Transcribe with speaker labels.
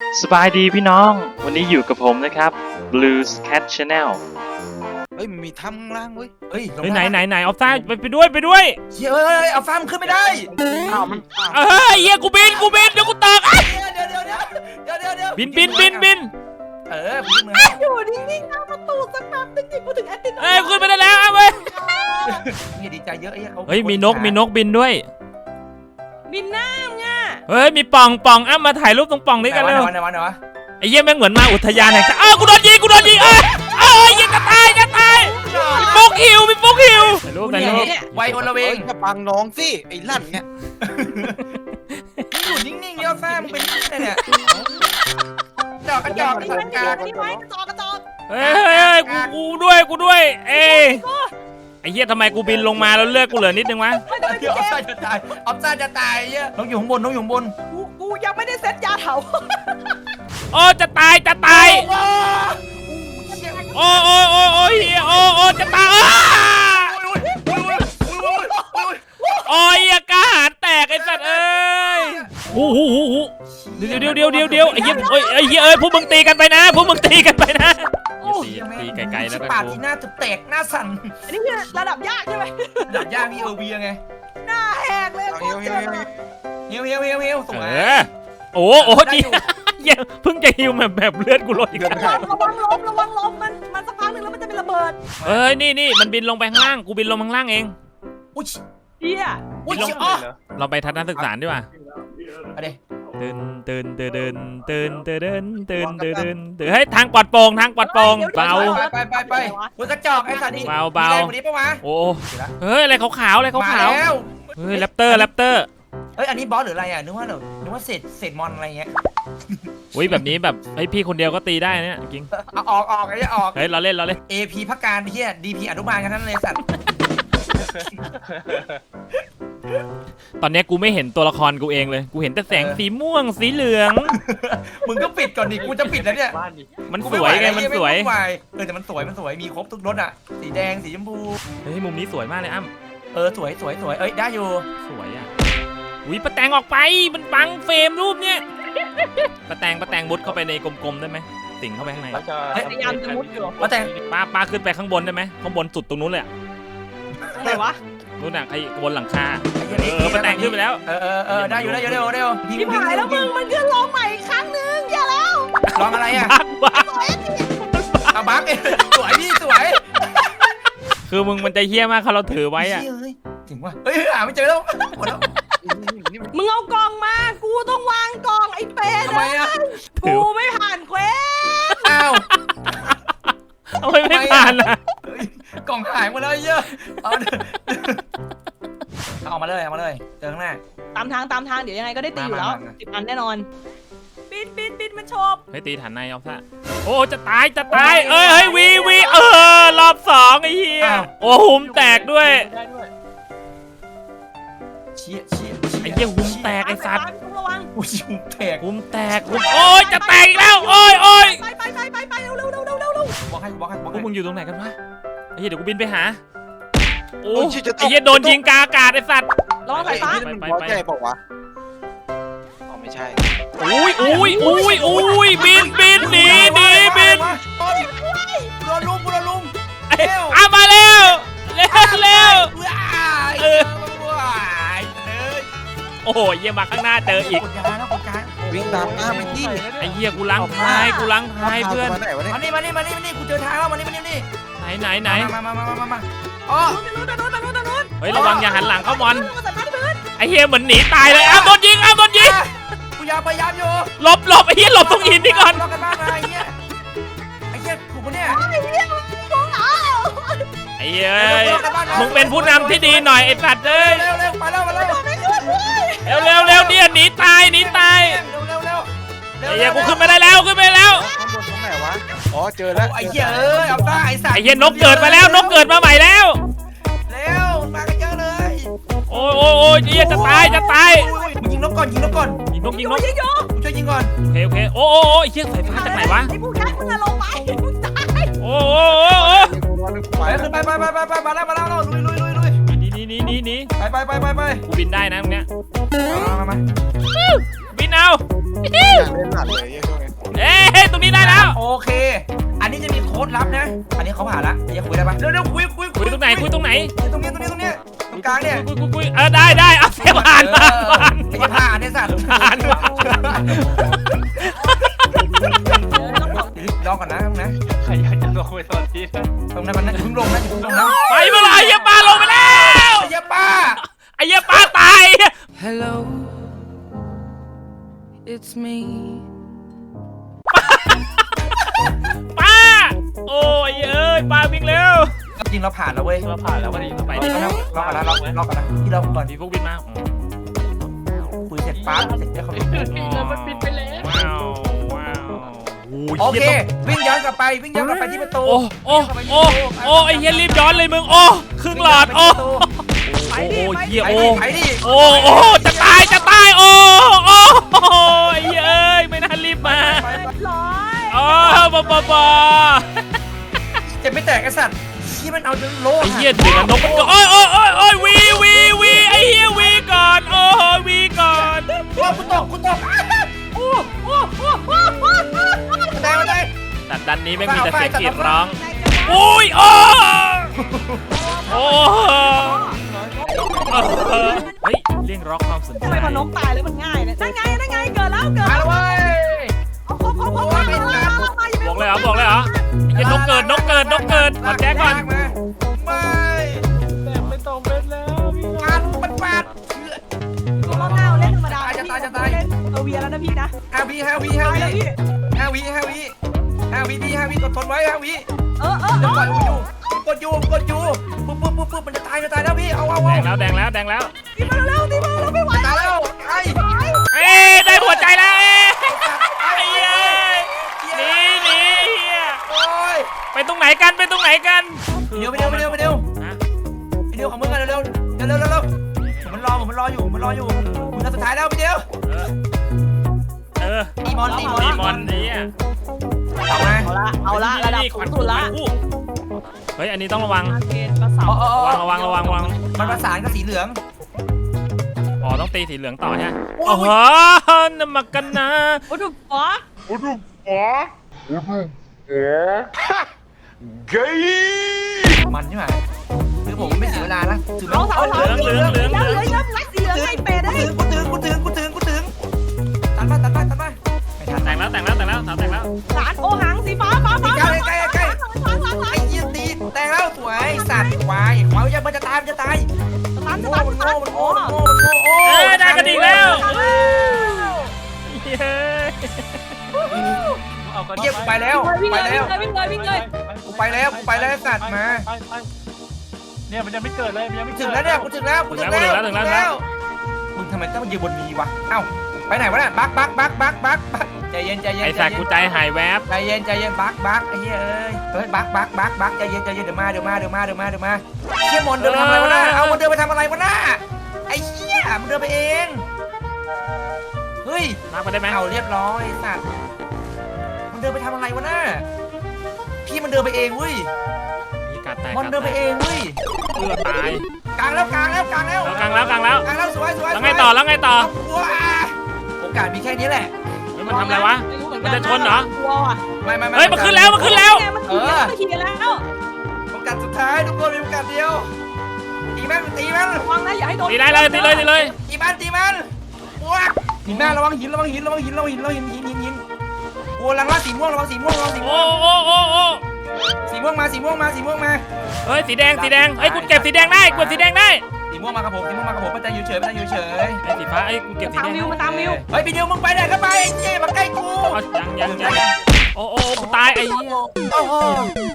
Speaker 1: สบายดีพี่น้องวันนี้อยู่กับผมนะครับ Blues Cat Channel
Speaker 2: เฮ้ยมันมีถ้ำข้างล่างเว้ย
Speaker 3: เฮ้ย
Speaker 4: ไหนออฟซ่าไปด้วย
Speaker 3: เฮ้ยเอาฟ้ามันขึ้นไม่ได้
Speaker 4: เฮียกูบินเดี๋ยวกูตก
Speaker 3: เดี๋ยว
Speaker 4: บิน
Speaker 3: พึ่งมือ
Speaker 5: อยู่นิ่งๆหน้าประตูสักแป๊บนึงดิกูถึงแอดติน
Speaker 4: ขึ้นไปได้แล้วเว้ย
Speaker 3: อย่าดีใจเยอะเขา
Speaker 4: เฮ้ยมีนกบินด้วย
Speaker 5: บินหน้ามึงอ่ะ
Speaker 4: เฮ้ยมีป่องมาถ่ายรูปตรงป่องนี้กันเร็ว
Speaker 3: ไหนวะ
Speaker 4: ไอ้เหี้ยแม่งเหมือนมาอุทยานแห่งชาติกูโดนยิงยังจะตายมีฟุกหิวถ่ายรูป
Speaker 3: ไวโอละเวง
Speaker 2: จะปังน้องสิไอ้ลั่นเนี่ย
Speaker 3: อยู่นิ่งๆเดี๋ยวฟ้ามึงเป็นเนี่ยจอกกระจอก
Speaker 5: นี่
Speaker 3: สั
Speaker 5: มั
Speaker 3: ง
Speaker 5: น
Speaker 3: กา
Speaker 5: นี่ไว้กระจอก
Speaker 4: เฮ้ยกูด้วยไอ้เหี้ยทำไมกูบินลงมาแล้วเลือดกูเหลือนิดนึงวะ
Speaker 3: เดี๋ยวออฟซ่าจะตายเยอะน้องอยู่ข้างบน
Speaker 5: กูยังไม่ได้เซ็ตยาเถา
Speaker 4: โอ้จะตายโอ้เฮียโอ้จะตายโอ้ยกล้าหาญแตกไอ้สัตว์เอ้ยเดี๋ยวไอ้เหี้ยพวกมึงตีกันไปนะตีไกลๆแล้วกัน
Speaker 3: ปาก
Speaker 4: กู
Speaker 3: ที่หน้าจะแตกหน้าสั่น
Speaker 5: อันนี้คือระดับยากใช่ไหม
Speaker 3: ดับย่างพี่เวียไง
Speaker 5: หน้าแหกเลยกูเจอ
Speaker 3: เฮียวสวย
Speaker 4: โอ้จีเพิ่งจะฮิวแบบเลือดกูลดอีกแล้ว
Speaker 5: ระวังล้มมันสักพักหนึ่งแล้วมันจะเป็นระเบิด
Speaker 4: เอ้ยนี่มันบินลงไปข้างล่างกูบินลงข้างล่างเอง
Speaker 3: อุ้ย
Speaker 5: เฮีย
Speaker 4: เราไปทัศนศึกษาดีกว่า
Speaker 3: อะไร
Speaker 4: เดินเฮ้ยทางปลอดโปร่งเบา
Speaker 3: ไปมึงกระจอกไอ้สัตว์นี่
Speaker 4: เบา
Speaker 3: วันนี้ปะวะ
Speaker 4: โอ้เฮ้ยอะไรขาวๆเฮ้ยแรปเตอร์
Speaker 3: เฮ้ยอันนี้บอสหรืออะไรอ่ะนึกว่าเศษมอนอะไรเงี้ย
Speaker 4: อุ้ยแบบนี้แบบไอพี่คนเดียวก็ตีได้เนี่ยจริง
Speaker 3: เอาออกไอ้เนี่ยออก
Speaker 4: เฮ้ยเราเล่น
Speaker 3: AP พักการเฮีย DP อนุบาลกันนั่นเลยสัตว์
Speaker 4: ตอนนี้กูไม่เห็นตัวละครกูเองเลยกูเห็นแต่แสงสีม่วงสีเหลือง
Speaker 3: มึงก็ปิดก่อนดิกูจะปิดแล้วเนี่ย
Speaker 4: มันสวยไงมันสวย
Speaker 3: แต่มันสวยมีครบทุกรสอ่ะสีแดงสีชมพู
Speaker 4: เฮ้ยมุมนี้สวยมากเลยอ้ำ
Speaker 3: สวยเอ้ยได้อยู่
Speaker 4: สวยอ่ะอุ้ยป้าแตงออกไปมันบังเฟรมรูปเนี่ยป้าแตงมุดเข้าไปในกลมๆได้ไหมสิงเข้าไปข้างใน
Speaker 5: พยายามจะมุดอยู่
Speaker 3: ว่าแต่
Speaker 4: ป้าขึ้นไปข้างบนได้ไหมข้างบนสุดตรงนู้นเลย
Speaker 5: อะไรวะ
Speaker 4: นู่นน่ะไอ้บนหลังคาป้าแตงขึ้นไปแล้ว
Speaker 3: ได้อยู่เร็ว
Speaker 5: พี่หายแล้วมึงมันขึ้นลองใหม่อีกครั้งนึงอย่าแล้ว
Speaker 3: ลองอะไรอ่ะ
Speaker 4: บัก
Speaker 3: เอาบักสวยพี่สวย
Speaker 4: คือมึงมันจะเฮี้ยมากเขาเราถือไว้อะ
Speaker 3: ถึงว่าเฮ้ยหาไม่เจอแล้วหมดแล้ว
Speaker 5: มึงเอากล่องมากูต้องวางกล่องไอ้เป็ด
Speaker 3: ทำไมอ่ะ
Speaker 5: กูไม่ผ่านเควส
Speaker 3: อ้าว
Speaker 4: เอาไม่ผ่านนะ
Speaker 3: กล่องหายหมดแล้วเยอะเอามาเลยเจอข้างหน้า
Speaker 5: ตามทางเดี๋ยวยังไงก็ได้ตีอยู่แล้ว
Speaker 3: มา
Speaker 5: 10 อันแน่นอนบินมันชบ
Speaker 4: ให้ตีฐานในเอาซะโอ้จะตายเอ้ยวีรอบสองไอ้เหี้ยโอ้หุมแตกด้วย
Speaker 3: เชี่ย
Speaker 4: ไอ้เหี้ยหุมแตกไอ้สัตว์
Speaker 5: ระวัง
Speaker 3: อุ้ยหุมแตก
Speaker 4: หุมแตกโอ้ยจะแตกอีกแล้วโอ้ย
Speaker 5: ไปเร็ว
Speaker 3: บอกให้
Speaker 4: พวกมึงอยู่ตรงไหนกันวะไอ้เหี้ยเดี๋ยวกูบินไปหาโอ้
Speaker 2: โอ้ย
Speaker 4: ไอ้เหี้ยโดนยิงกาอากาศไอ้สัตว์
Speaker 5: ระวังสายฟ้า
Speaker 2: มันบอสใหญ่บอกวะอ๋อไม่ใช่
Speaker 4: อุ้ยบินบิน
Speaker 3: โดนลุม
Speaker 4: เอามาเร็วโอ้โหเยี่ยมาข้างหน้าเจออีก
Speaker 3: กดยาแล้วกดยา
Speaker 2: วิ่งตามหน้าไม่ที่
Speaker 4: ไอ้เหี้ยกูล้างท้ายเพื่อน
Speaker 2: มาไหนวะเนี่ย
Speaker 3: มานี่กูเจอทางแล้วมานี่
Speaker 4: ไหน
Speaker 3: มาอ๋อ
Speaker 5: นู้น
Speaker 4: เฮ้ยระวังอย่าหันหลังเข้ามอนไอ้เหี้ยเหมือนหนีตายเลยอ้าวโดนยิง
Speaker 3: กูพยายามอยู่
Speaker 4: หลบไอ้เหี้ยหลบตรงหินนี่ก่อน
Speaker 3: รอกันบ้างนะไอ้เหี้ยถูกปะเนี่ย
Speaker 4: ไอ้เหี้ยมึงเป็นผู้นำที่ดีหน่อยไอ้สัตว์เอ้ย
Speaker 3: เร็วไปแล้ว
Speaker 4: เร็วเนี่ยหนีตาย
Speaker 3: เร็ว
Speaker 4: ไอ้เหี้ยกูขึ้นไม่ได้แล้ว
Speaker 2: ข้างบนตรงไหนวะอ๋อเจอแล้ว
Speaker 3: ไอ้เหี้ยเอาได้ไอ้สัตว์
Speaker 4: ไอ้เหี้ยนกเกิดมาแล้วนกเกิดมาใหม่แล้ว
Speaker 3: เร็วมากันเยอะเลย
Speaker 4: โอ้ยเหี้ยจะตาย
Speaker 3: มึงยิงนกก่อน
Speaker 4: ยิงนก
Speaker 3: ช่วยยิงก่อน
Speaker 4: โอเคโอ้ยเหี้ยสายฟ้าจากไหนวะ
Speaker 5: ไอ้ผู้ยักษ์มึงอะลงไปมึงตาย
Speaker 4: โอ้
Speaker 3: ไปขึ้นไปมาแล้วลุย
Speaker 4: หนี
Speaker 3: ไป
Speaker 4: กูบินได้นะตรงเนี้ย
Speaker 3: มา
Speaker 4: บินเอา
Speaker 2: อยากเล่นหนักเลยช่วงนี้
Speaker 3: โอเค อันนี้จะมีโค้ดลับนะ อันนี้เขาผ่านละอย่าคุยได้ปะเร็วคุย
Speaker 4: คุยตรงไหนคุยตรงไหน
Speaker 3: ตรงนี้ตรงกลางเนี่ย
Speaker 4: คุยได้เอาเสียผ่าน
Speaker 3: ไอ้จะผ่านเนี่ยสัตว์
Speaker 4: ผ่าน
Speaker 3: รอก่อนนะนะ
Speaker 2: ใครอยากจะลงไปตอนนี้
Speaker 3: ตรงนั้นมันพึ่งลงนะพึ่งลงนะ
Speaker 4: ไปเมื่อไหร่ไอ้เหี้ยปลาลงไปแล้ว
Speaker 3: ไอ้ยาป้า
Speaker 4: ไอ้เหี้ยปลาตาย
Speaker 5: Hello it's me
Speaker 4: ปลาโอ้ยเอ้ยปลาวิ่งเร็ว
Speaker 3: จริงเราผ่านแล้วเว้ย
Speaker 2: เราผ่านแล้วพอดี
Speaker 4: ไป
Speaker 3: ร
Speaker 4: ดิ
Speaker 3: อก่อนนะรอก่อนนะที่เราก่อน
Speaker 4: มีพวกบินมา
Speaker 3: คุยเสร็จปั๊บเสร็จแล้วเขา
Speaker 2: มันปิดไปแล้ว
Speaker 4: ว้าวโอ้
Speaker 3: โอเควิ่งย้อนกลับไปที่ประตู
Speaker 4: โอ้ไอ้เหี้ยรีบย้อนเลยมึงโอ้ครึ่งหลอดโอ้เหี้ย
Speaker 3: ไปดิ
Speaker 4: โอ้จะตายโอ้ไอ้เหี้ยเอ้ยไม่น่ารีบมา
Speaker 5: ร้อย
Speaker 4: อ๋อบอ
Speaker 3: จะไม่แตกไอ้สัตว์ที่มันเอาจนโล
Speaker 4: ไอ้เหี้ยเด็กนกมันก็โอ้ยวีไอ้เหี้ยวีก่อนโอ้วีก่อน
Speaker 3: กูตกได้
Speaker 4: แต่ดันนี้ไม่มีแต่เสียงกรีดร้องโอ้ยโอ้เฮ้ยเรียกร้องความสนใจ
Speaker 5: ทำไมพอนกตายแล้วมันง่ายเลยนั่นไงเกิดแล้ว
Speaker 3: มาแล้วเว้ย
Speaker 5: ครบบอกเลย
Speaker 4: เหรอไอ้นกเกิดขอแจ้งก่อน
Speaker 3: ไม่
Speaker 2: แต่ไม่ต้องเป็นแล้วพี่
Speaker 3: ปาด
Speaker 5: ตัวรอบหน้าเล่นธรรมดาเวียแล้วนะพี่นะ
Speaker 3: 5 วิพี่กดทนไว้5 วิจะปล่อยกดอยู่ปุ๊บมันจะตายแล้วพี่เอา
Speaker 4: แดงแล้ว
Speaker 5: ตีมาแล้วไม่ไหว
Speaker 3: ตายแล้วไอ้
Speaker 4: ได้หัวใจแล้วไอ้เหี้ยหนีเหี้ย
Speaker 3: โอ้ย
Speaker 4: ไปตรงไหนกัน
Speaker 3: ไปเร็วของมึงกันเร็วมันรออยู่มึงสุดท้ายแล้วพี่เดียวตีมอน
Speaker 4: นี่อ่ะ
Speaker 5: เอาละระดับสูงสุดละ
Speaker 4: เฮ้ยอันนี้ต้องระวัง
Speaker 5: เกณฑ์กระเสา
Speaker 4: ระวัง
Speaker 3: มันประสานกับสีเหลือง
Speaker 4: อ๋อต้องตีสีเหลืองต่อใช่ไหมโอ้โหนำมากันนะ
Speaker 5: โอ้ถูกปะ
Speaker 3: มันใช่ไหมคือผมไม่เสียเวลานะถือ
Speaker 5: เอาเหลืองรักสีเหลืองไอ้เป็ดได้
Speaker 3: กูถึงตัดมาไม่ทัน
Speaker 4: แต่งแล้ว
Speaker 5: สารโอหังสีฟ้า
Speaker 3: ไอ้ยี่ตีแต่งแล้วสวยสัตว์ควายเขาจะมันจะตายมันโง่
Speaker 4: ได้กระดิ่งแล้วเฮ้ย
Speaker 2: เอากัน
Speaker 3: เยี่ยมไปแล้ว
Speaker 5: วิ่งเลย
Speaker 3: ไปแล้วสัตว์มา
Speaker 2: เนี่ยมันยังไม่เกิดเลยมันยังไม่
Speaker 3: ถึ
Speaker 2: เกิ
Speaker 3: ง
Speaker 2: ด
Speaker 3: แล้วเนี่ยกูถึงแล้วมึงทำไมต้องมายืนบนนี้วะเอ้าไปไหนวะเนี่ยบักใจเย็น
Speaker 4: ไอ้สัตว์กูใจหายแวบ
Speaker 3: ใจเย็นบักไอ้เหี้ยเอ้ยบักใจเย็นเดี๋ยวมาเชี่ยมอนเดินไปทำอะไรวะน่ะเอามันเดินไปทำอะไรวะน่ะไอ้เหี้ยมันเดินไปเองเฮ้ย
Speaker 4: มาไปได้ไหม
Speaker 3: เอาเรียบร้อยสัตว์มันเดินไปทำอะไรวะน่ะพี่มันเดินไปเองเว้ย
Speaker 4: มีการแตก
Speaker 3: มันเดินไปเองเว้ย
Speaker 4: ตาย
Speaker 3: กลางแล้วสวย
Speaker 4: แล้วไงต่อ
Speaker 3: ว้าโอกาสมีแค่นี้แหละ
Speaker 4: มันทำอะไรวะมันจะชนเหรอ
Speaker 5: กลัวว่ะ
Speaker 3: ไม่
Speaker 4: เฮ้ยมันขึ้นแล้ว
Speaker 5: มันขี่แล้ว
Speaker 3: โอกาสสุดท้ายทุกคนมีโอกาสเดียวตีมัน
Speaker 5: ระวังนะอย่าให้โดน
Speaker 4: ตีได้เลยตีเลย
Speaker 3: ตีมันว้าหินหน้าระวังหินโอ้ลังละสีม่วงระวังสีม่วง
Speaker 4: โอ้
Speaker 3: สีม่วงมา
Speaker 4: เฮ้ยสีแดงเฮ้ยกูเก็บสีแดงได้
Speaker 3: สีม่วงมากับผมมันจะอยู่เฉย
Speaker 4: ไอ้สีฟ้าไอ้กูเก็บสีแดง
Speaker 5: มาตามวิว
Speaker 3: เฮ้ยพี่เดียวมึงไปไหนก็ไปไอ้เจ๊มาใกล้กู
Speaker 4: ยังโอ้กูตายไอ้เหี้ย
Speaker 3: โอ้โห